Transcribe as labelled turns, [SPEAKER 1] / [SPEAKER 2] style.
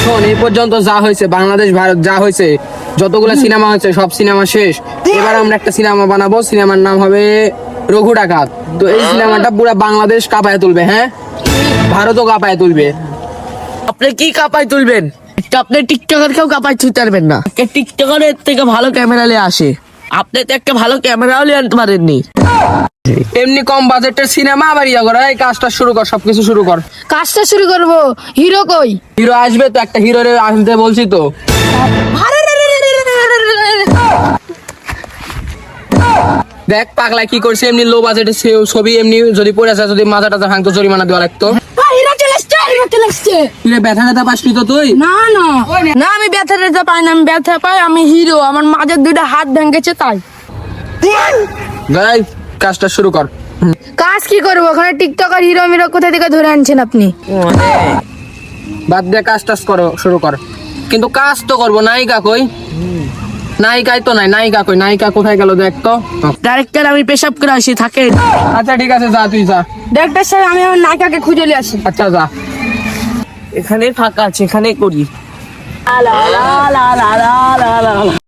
[SPEAKER 1] শোন, এই পর্যন্ত যা হয়েছে বাংলাদেশ ভারত যা হয়েছে, যতগুলো সিনেমা হয়েছে সব সিনেমা শেষ। এবার আমরা একটা সিনেমা বানাবো, সিনেমার নাম হবে রঘু ডাকাত। তো এই সিনেমাটা পুরো বাংলাদেশ কাঁপায় তুলবে, হ্যাঁ, ভারতও কাঁপায় তুলবে।
[SPEAKER 2] আপনি কি কাপাই তুলবেন? আপনি টিকটকার কেউ কাপাই তুলতে পারবেন না। টিকটকারের থেকে ভালো ক্যামেরা নিয়ে আসে, আপনি তো একটা ভালো ক্যামেরাও নিয়ে আনতে পারেননি।
[SPEAKER 1] এমনি কম বাজেটের সিনেমা আবার ইয়া করে, এই কাজটা শুরু কর, সবকিছু শুরু কর।
[SPEAKER 3] কাজটা শুরু করব। হিরো কই?
[SPEAKER 1] হিরো আসবে তো, একটা হিরো আনতে বলছি তো। দেখ পাগলা কি করছে, এমনি লো বাজেটের ছবি, এমনি যদি পড়ে যায়, যদি মাথা টাথা ভাঙতো জরিমানা দেওয়া লাগতো।
[SPEAKER 3] হিরো চলে আসছে, হিরো চলে আসছে।
[SPEAKER 1] তুই ব্যথা ট্যাথা পাসনি তো তুই?
[SPEAKER 3] না না না, আমি ব্যথা ট্যাথা পাই না, আমি ব্যথা পাই, আমি হিরো, আমার মাঝের দুইটা হাত ভেঙেছে তাই।
[SPEAKER 1] গাই কাজটা শুরু কর।
[SPEAKER 3] কাজ কি করবো ওখানে? টিকটকার হিরো মিরো কোথা থেকে ধরে আনছেন আপনি?
[SPEAKER 1] বাদ দিয়ে কাজ টাজ করো, শুরু কর। কিন্তু কাজ তো করবো। নায়িকা কই? নায়িকাই তো নাই। নায়িকা কই? নায়িকা কোথায় গেল দেখ তো।
[SPEAKER 2] ডাইরেক্টর আমি পেশাব করে আসি, থাকেন।
[SPEAKER 1] আচ্ছা ঠিক আছে, যা তুই যা।
[SPEAKER 3] ডাক্তার সাহেব, আমি আমার নায়িকাকে খুঁজে নিয়ে আসি।
[SPEAKER 1] আচ্ছা যা।
[SPEAKER 2] এখানে ফাঁকা আছে, এখানে করি।